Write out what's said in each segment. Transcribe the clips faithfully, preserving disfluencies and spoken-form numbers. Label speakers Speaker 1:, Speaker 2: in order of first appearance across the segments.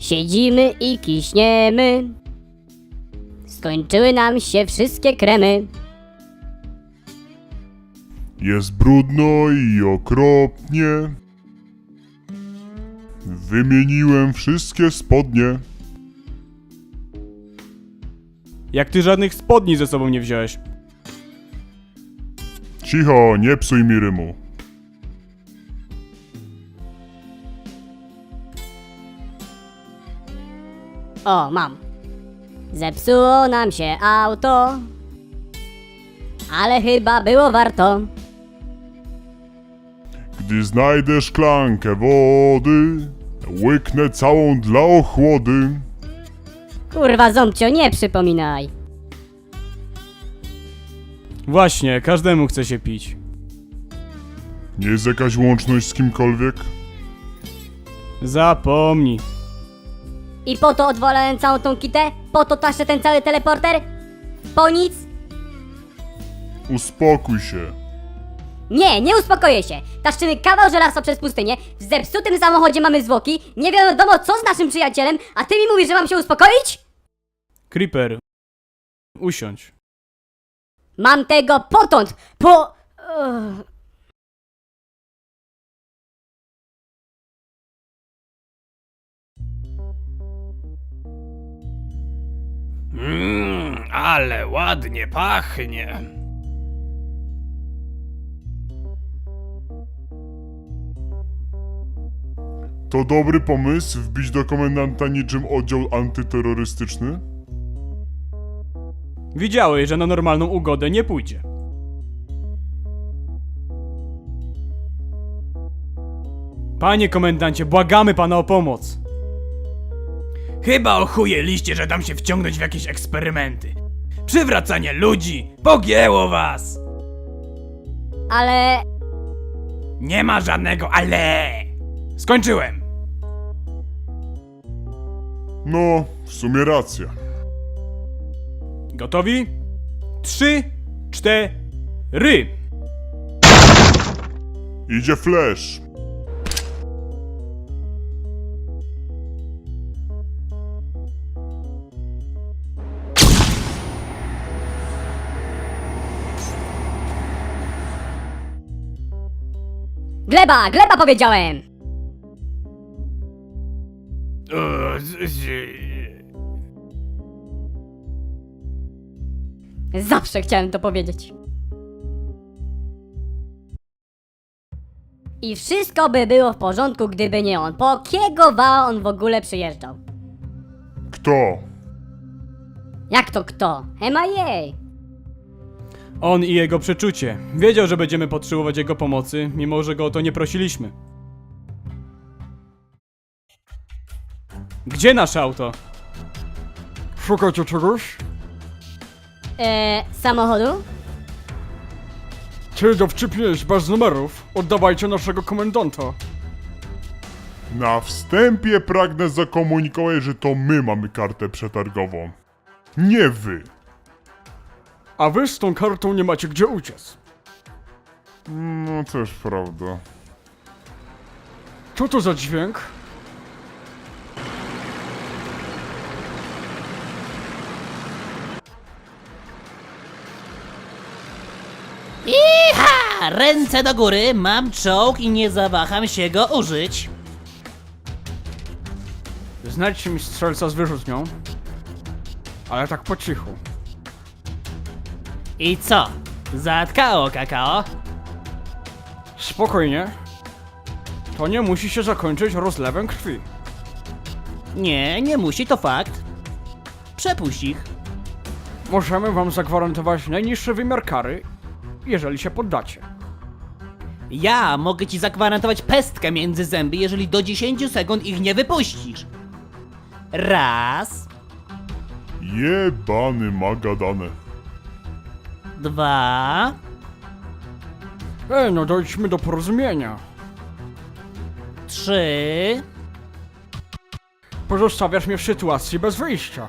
Speaker 1: Siedzimy i kiśniemy. Skończyły nam się wszystkie kremy.
Speaker 2: Jest brudno i okropnie. Wymieniłem wszystkie spodnie.
Speaker 3: Jak ty żadnych spodni ze sobą nie wziąłeś?
Speaker 2: Cicho, nie psuj mi rymu.
Speaker 1: O, mam. Zepsuło nam się auto, ale chyba było warto.
Speaker 2: Gdy znajdę szklankę wody, łyknę całą dla ochłody.
Speaker 1: Kurwa, Ząbcio, nie przypominaj.
Speaker 3: Właśnie, każdemu chce się pić.
Speaker 2: Nie jest jakaś łączność z kimkolwiek?
Speaker 3: Zapomnij.
Speaker 1: I po to odwolałem całą tą kitę? Po to taszę ten cały teleporter? Po nic?
Speaker 2: Uspokój się.
Speaker 1: Nie, nie uspokoję się. Taszczymy kawał żelaza przez pustynię, w zepsutym samochodzie mamy zwłoki, nie wiadomo co z naszym przyjacielem, a ty mi mówisz, że mam się uspokoić?
Speaker 3: Creeper. Usiądź.
Speaker 1: Mam tego potąd, po... Ugh.
Speaker 4: Mmm, ale ładnie pachnie.
Speaker 2: To dobry pomysł wbić do komendanta niczym oddział antyterrorystyczny?
Speaker 3: Widziałeś, że na normalną ugodę nie pójdzie. Panie komendancie, błagamy pana o pomoc.
Speaker 4: Chyba ochujeliście, że dam się wciągnąć w jakieś eksperymenty. Przywracanie ludzi, pogięło was.
Speaker 1: Ale...
Speaker 4: Nie ma żadnego ale. Skończyłem.
Speaker 2: No, w sumie racja.
Speaker 3: Gotowi? Trzy, cztery.
Speaker 2: Idzie flash.
Speaker 1: Gleba, gleba powiedziałem!
Speaker 4: O, z- z-
Speaker 1: Zawsze chciałem to powiedzieć. I wszystko by było w porządku, gdyby nie on. Po kiego wała on w ogóle przyjeżdżał?
Speaker 2: Kto?
Speaker 1: Jak to kto? M I A!
Speaker 3: On i jego przeczucie. Wiedział, że będziemy potrzebować jego pomocy, mimo że go o to nie prosiliśmy. Gdzie nasze auto?
Speaker 5: Szukacie czegoś?
Speaker 1: Eee, samochodu?
Speaker 5: Ty dowcipniesz bez numerów. Oddawajcie naszego komendanta.
Speaker 2: Na wstępie pragnę zakomunikować, że to my mamy kartę przetargową. Nie wy.
Speaker 5: A wy z tą kartą nie macie gdzie uciec.
Speaker 2: No też prawda.
Speaker 5: Co to za dźwięk?
Speaker 6: Iha! Ręce do góry, mam czołg i nie zawaham się go użyć.
Speaker 5: Znajdźcie mi strzelca z wyrzutnią. Ale tak po cichu.
Speaker 6: I co? Zatkało kakao?
Speaker 5: Spokojnie. To nie musi się zakończyć rozlewem krwi.
Speaker 6: Nie, nie musi, to fakt. Przepuść ich.
Speaker 5: Możemy wam zagwarantować najniższy wymiar kary, jeżeli się poddacie.
Speaker 6: Ja mogę ci zagwarantować pestkę między zęby, jeżeli do dziesięciu sekund ich nie wypuścisz. Raz,
Speaker 2: Jebany magadane.
Speaker 6: dwa,
Speaker 5: Ej, no dojdźmy do porozumienia.
Speaker 6: trzy,
Speaker 5: Pozostawiasz mnie w sytuacji bez wyjścia.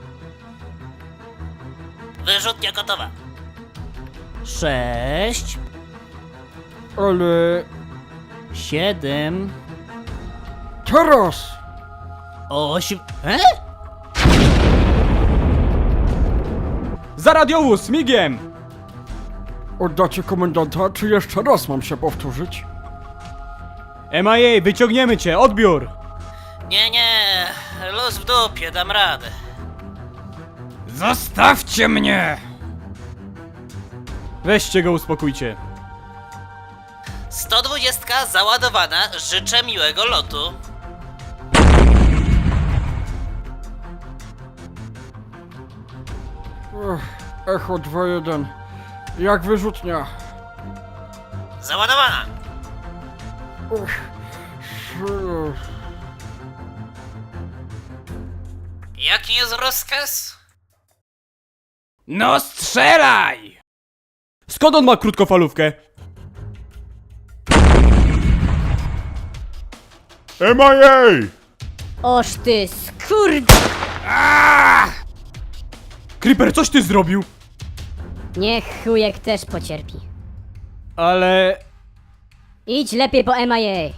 Speaker 6: wyrzutnia gotowa. Sześć,
Speaker 5: Ale...
Speaker 6: siedem,
Speaker 5: Teraz!
Speaker 6: Osiem... E?
Speaker 3: Za radiowóz, migiem!
Speaker 5: Oddacie komendanta, czy jeszcze raz mam się powtórzyć?
Speaker 3: M I A, wyciągniemy cię, odbiór!
Speaker 6: Nie, nie, luz w dupie, dam radę.
Speaker 4: Zostawcie mnie!
Speaker 3: Weźcie go, uspokójcie.
Speaker 6: sto dwadzieścia załadowana, życzę miłego lotu.
Speaker 5: Ech, Echo dwa jeden. Jak wyrzutnia?
Speaker 6: Załadowana!
Speaker 5: Ech, sz-
Speaker 6: Jaki jest rozkaz?
Speaker 4: No strzelaj!
Speaker 3: Skąd on ma krótkofalówkę?
Speaker 2: M I A!
Speaker 1: Oż ty skurcz...
Speaker 3: Creeper, coś ty zrobił?
Speaker 1: Niech chujek też pocierpi.
Speaker 3: Ale...
Speaker 1: Idź lepiej po M I A.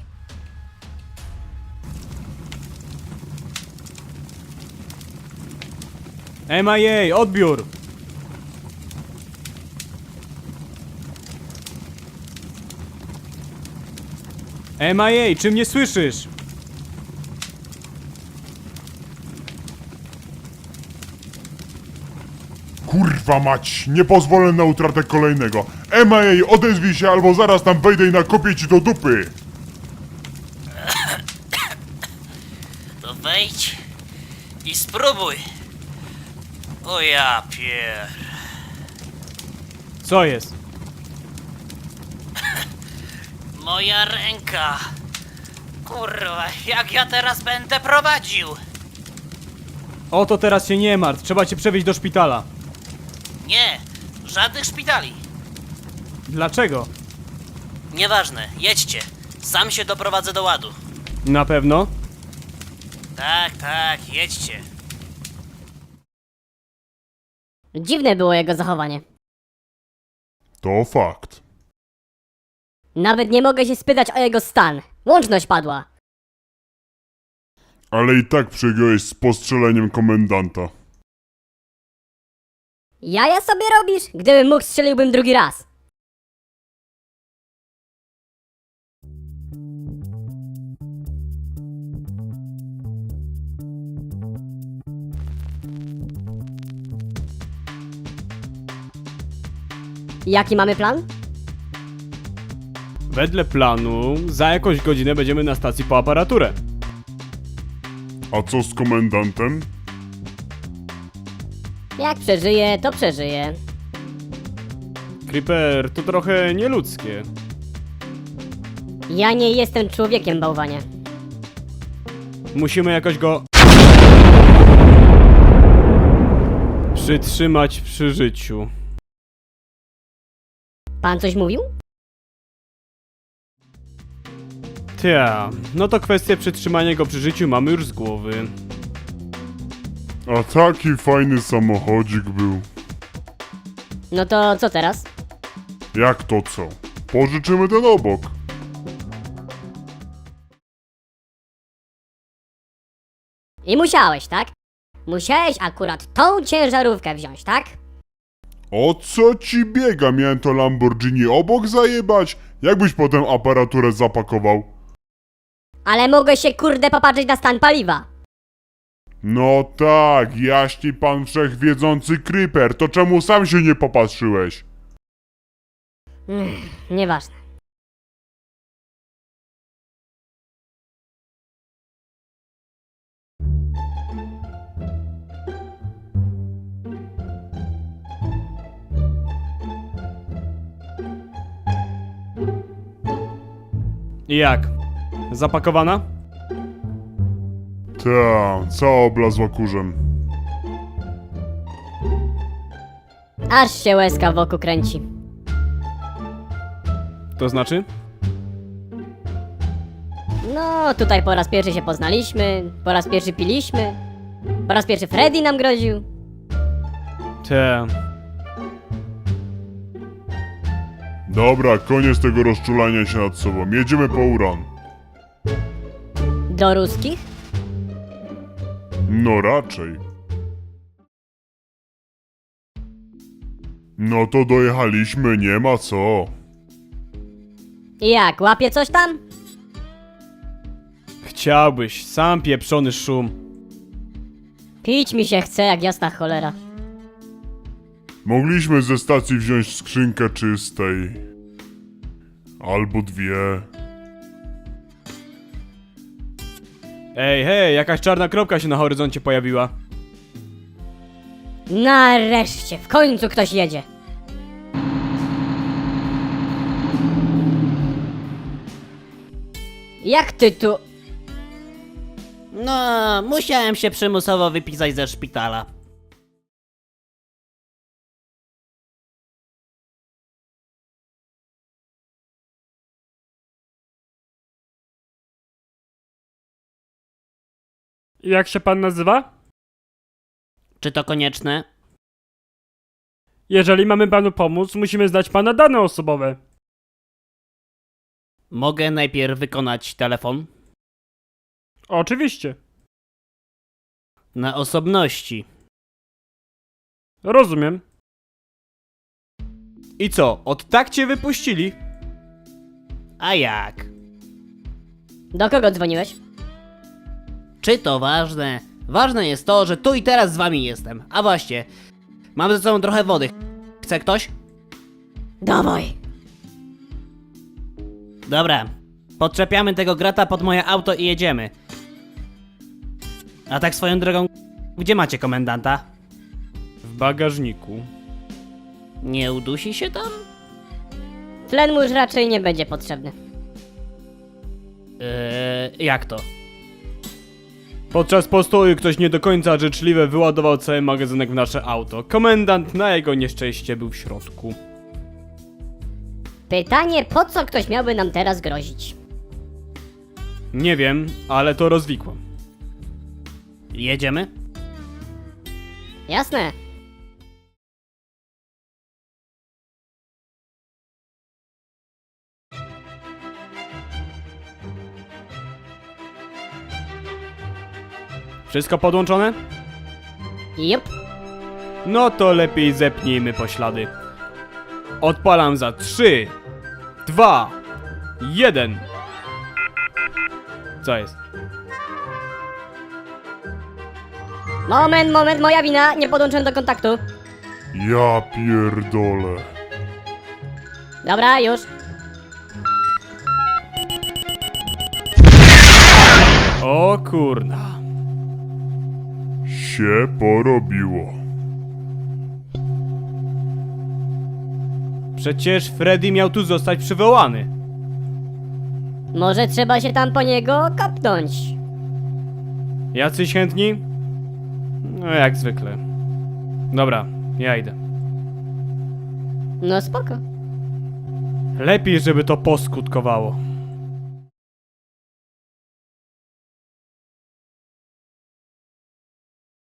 Speaker 3: M I A, odbiór! M I A, czy mnie słyszysz?
Speaker 2: Kurwa mać, nie pozwolę na utratę kolejnego. M I A, odezwij się, albo zaraz tam wejdę i nakopię ci do dupy.
Speaker 6: To wejdź i spróbuj. O ja pier...
Speaker 3: Co jest?
Speaker 6: Moja ręka. Kurwa, jak ja teraz będę prowadził?
Speaker 3: O to teraz się nie martw, trzeba cię przewieźć do szpitala.
Speaker 6: Nie, żadnych szpitali.
Speaker 3: Dlaczego?
Speaker 6: Nieważne, jedźcie. Sam się doprowadzę do ładu.
Speaker 3: Na pewno?
Speaker 6: Tak, tak, jedźcie.
Speaker 1: Dziwne było jego zachowanie.
Speaker 2: To fakt.
Speaker 1: Nawet nie mogę się spytać o jego stan. Łączność padła.
Speaker 2: Ale i tak przegiąłeś z postrzeleniem komendanta.
Speaker 1: Jaja sobie robisz? Gdybym mógł, strzeliłbym drugi raz. Jaki mamy plan?
Speaker 3: Wedle planu, za jakąś godzinę będziemy na stacji po aparaturę.
Speaker 2: A co z komendantem?
Speaker 1: Jak przeżyje, to przeżyje.
Speaker 3: Creeper, to trochę nieludzkie.
Speaker 1: Ja nie jestem człowiekiem, bałwanie.
Speaker 3: Musimy jakoś go... przytrzymać przy życiu.
Speaker 1: Pan coś mówił?
Speaker 3: Tia, no to kwestię przytrzymania go przy życiu mamy już z głowy.
Speaker 2: A taki fajny samochodzik był.
Speaker 1: No to co teraz?
Speaker 2: Jak to co? Pożyczymy ten obok.
Speaker 1: I musiałeś, tak? Musiałeś akurat tą ciężarówkę wziąć, tak?
Speaker 2: O co ci biega? Miałem to Lamborghini obok zajebać? Jakbyś potem aparaturę zapakował?
Speaker 1: Ale mogę się kurde popatrzeć na stan paliwa.
Speaker 2: No tak, jaśni pan wszechwiedzący Creeper, to czemu sam się nie popatrzyłeś?
Speaker 1: Mm, nieważne.
Speaker 3: I jak? Zapakowana?
Speaker 2: Ta, cała oblazła kurzem.
Speaker 1: Aż się łezka wokół kręci.
Speaker 3: To znaczy?
Speaker 1: No, tutaj po raz pierwszy się poznaliśmy, po raz pierwszy piliśmy, po raz pierwszy Freddy nam groził.
Speaker 3: Te.
Speaker 2: Dobra, koniec tego rozczulania się nad sobą. Jedziemy po uran.
Speaker 1: Do ruskich?
Speaker 2: No raczej. No to dojechaliśmy, nie ma co.
Speaker 1: I jak, łapie coś tam?
Speaker 3: Chciałbyś, sam pieprzony szum.
Speaker 1: Pić mi się chce jak jasna cholera.
Speaker 2: Mogliśmy ze stacji wziąć skrzynkę czystej. Albo dwie.
Speaker 3: Ej, hej, jakaś czarna kropka się na horyzoncie pojawiła.
Speaker 1: Nareszcie, w końcu ktoś jedzie. Jak ty tu...
Speaker 6: No, musiałem się przymusowo wypisać ze szpitala.
Speaker 7: Jak się pan nazywa?
Speaker 6: Czy to konieczne?
Speaker 7: Jeżeli mamy panu pomóc, musimy znać pana dane osobowe.
Speaker 6: Mogę najpierw wykonać telefon?
Speaker 7: Oczywiście.
Speaker 6: Na osobności.
Speaker 7: Rozumiem.
Speaker 3: I co, od tak cię wypuścili?
Speaker 6: A jak?
Speaker 1: Do kogo dzwoniłeś?
Speaker 6: Czy to ważne? Ważne jest to, że tu i teraz z wami jestem. A właśnie, mam ze sobą trochę wody. Chce ktoś?
Speaker 1: Dawaj.
Speaker 6: Dobra. Podczepiamy tego grata pod moje auto i jedziemy. A tak swoją drogą, gdzie macie komendanta?
Speaker 3: W bagażniku.
Speaker 6: Nie udusi się tam?
Speaker 1: Tlen mu już raczej nie będzie potrzebny.
Speaker 6: Eee, jak to?
Speaker 3: Podczas postoju ktoś nie do końca życzliwie wyładował cały magazynek w nasze auto. Komendant na jego nieszczęście był w środku.
Speaker 1: Pytanie, po co ktoś miałby nam teraz grozić?
Speaker 3: Nie wiem, ale to rozwikłam.
Speaker 6: Jedziemy?
Speaker 1: Jasne.
Speaker 3: Wszystko podłączone?
Speaker 1: Jup.
Speaker 3: No to lepiej zepnijmy poślady. Odpalam za trzy, dwa, jeden. Co jest?
Speaker 1: Moment, moment, moja wina, nie podłączyłem do kontaktu.
Speaker 2: Ja pierdolę.
Speaker 1: Dobra, już.
Speaker 3: O kurna.
Speaker 2: Się porobiło.
Speaker 3: Przecież Freddy miał tu zostać przywołany.
Speaker 1: Może trzeba się tam po niego kopnąć.
Speaker 3: Jacyś chętni? No jak zwykle. Dobra, ja idę.
Speaker 1: No spoko.
Speaker 3: Lepiej, żeby to poskutkowało.